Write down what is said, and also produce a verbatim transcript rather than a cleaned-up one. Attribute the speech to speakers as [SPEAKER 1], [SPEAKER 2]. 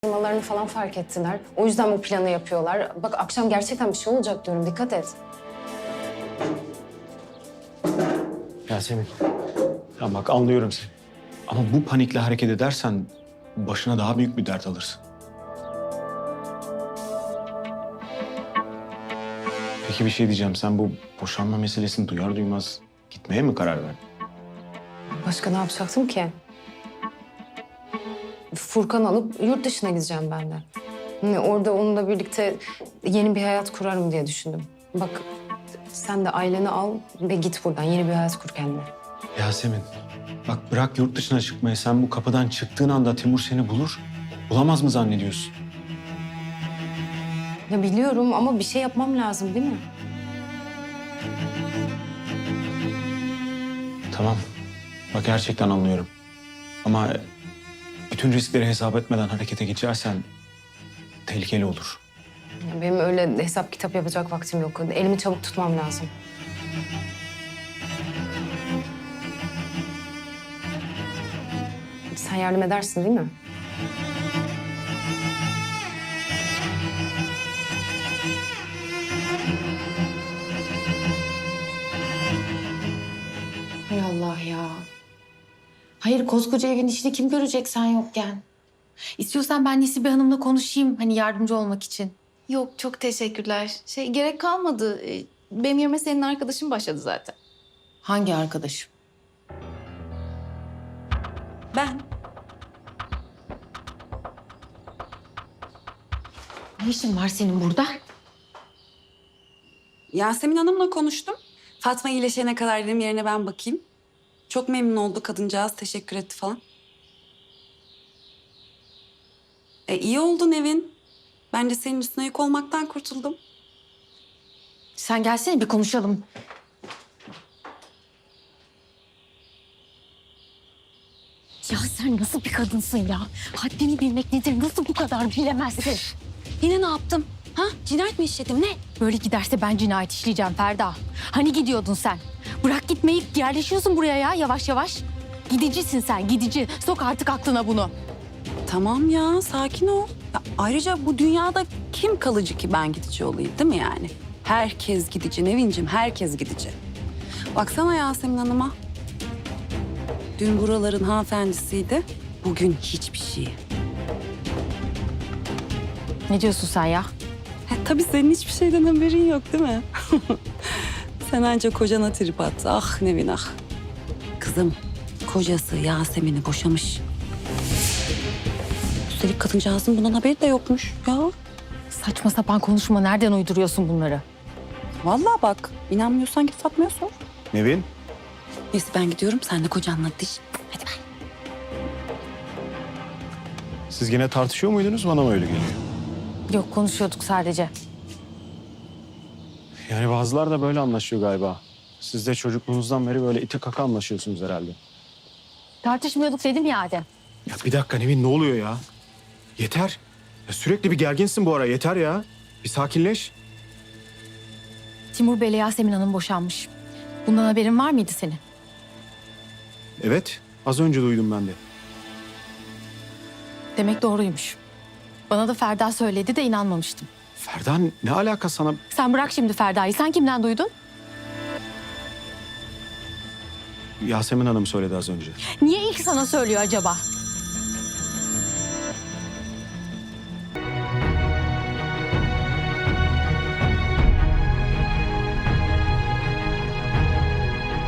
[SPEAKER 1] Firmalarını falan fark ettiler. O yüzden bu planı yapıyorlar. Bak akşam gerçekten bir şey olacak diyorum. Dikkat et.
[SPEAKER 2] Yasemin, ya bak anlıyorum seni. Ama bu panikle hareket edersen başına daha büyük bir dert alırsın. Peki bir şey diyeceğim. Sen bu boşanma meselesini duyar duymaz gitmeye mi karar verdin?
[SPEAKER 1] Başka ne yapacaktım ki? Furkan alıp yurt dışına gideceğim ben de. Hani orada onunla birlikte yeni bir hayat kurarım diye düşündüm. Bak sen de aileni al ve git buradan. Yeni bir hayat kur kendine.
[SPEAKER 2] Yasemin, bak bırak yurt dışına çıkmayı. Sen bu kapıdan çıktığın anda Timur seni bulur. Bulamaz mı zannediyorsun?
[SPEAKER 1] Ya biliyorum ama bir şey yapmam lazım değil mi?
[SPEAKER 2] Tamam. Bak gerçekten anlıyorum. Ama bütün riskleri hesap etmeden harekete geçersen tehlikeli olur.
[SPEAKER 1] Ya benim öyle hesap kitap yapacak vaktim yok. Elimi çabuk tutmam lazım. Sen yardım edersin değil mi?
[SPEAKER 3] Hay Allah ya. Hayır koskoca evin işini kim görecek sen yokken? İstiyorsan ben Nesibe Hanım'la konuşayım hani yardımcı olmak için.
[SPEAKER 4] Yok çok teşekkürler. Şey gerek kalmadı. Ee, Benim yerime senin arkadaşın başladı zaten.
[SPEAKER 3] Hangi arkadaşım?
[SPEAKER 4] Ben.
[SPEAKER 3] Ne işin var senin burada?
[SPEAKER 5] Yasemin Hanım'la konuştum. Fatma iyileşene kadar dedim yerine ben bakayım. Çok memnun oldu kadıncağız. Teşekkür etti falan. E iyi oldu Nevin. Ben de senin üstüne yük olmaktan kurtuldum.
[SPEAKER 3] Sen gelsene bir konuşalım. Ya sen nasıl bir kadınsın ya? Haddini bilmek nedir? Nasıl bu kadar bilemezsin?
[SPEAKER 5] Yine ne yaptım? Ha? Cinayet mi işledim ne?
[SPEAKER 3] Böyle giderse ben cinayet işleyeceğim Ferda. Hani gidiyordun sen? Bırak gitmeyi yerleşiyorsun buraya ya yavaş yavaş. Gidicisin sen gidici. Sok artık aklına bunu.
[SPEAKER 5] Tamam ya sakin ol. Ya, ayrıca bu dünyada kim kalıcı ki ben gidici olayım değil mi yani? Herkes gidici Nevin'cim herkes gidici. Baksana Yasemin Hanım'a. Dün buraların hanımefendisiydi. Bugün hiçbir şey.
[SPEAKER 3] Ne diyorsun sen ya?
[SPEAKER 5] Ha, tabii senin hiçbir şeyden haberin yok değil mi? Sen ancak kocana trip at. Ah Nevin ah. Kızım kocası Yasemin'i boşamış. Üstelik kadıncağızın bundan haberi de yokmuş ya.
[SPEAKER 3] Saçma sapan konuşma. Nereden uyduruyorsun bunları?
[SPEAKER 5] Vallahi bak inanmıyorsan git Fatma'ya sor.
[SPEAKER 2] Nevin.
[SPEAKER 5] Neyse ben gidiyorum sen de kocanla diş. Hadi ben.
[SPEAKER 2] Siz gene tartışıyor muydunuz? Bana mı öyle geliyor?
[SPEAKER 3] Yok konuşuyorduk sadece.
[SPEAKER 2] Yani bazılar da böyle anlaşıyor galiba. Siz de çocukluğunuzdan beri böyle ite kaka anlaşıyorsunuz herhalde.
[SPEAKER 3] Tartışmıyorduk dedim ya Adem.
[SPEAKER 2] Ya bir dakika Nevin ne oluyor ya? Yeter. Ya sürekli bir gerginsin bu ara yeter ya. Bir sakinleş.
[SPEAKER 3] Timur Bey'le Yasemin Hanım boşanmış. Bundan haberin var mıydı senin?
[SPEAKER 2] Evet az önce duydum ben de.
[SPEAKER 3] Demek doğruymuş. Bana da Ferda söyledi de inanmamıştım.
[SPEAKER 2] Ferda ne alaka sana?
[SPEAKER 3] Sen bırak şimdi Ferda'yı. Sen kimden duydun?
[SPEAKER 2] Yasemin Hanım söyledi az önce.
[SPEAKER 3] Niye ilk sana söylüyor acaba?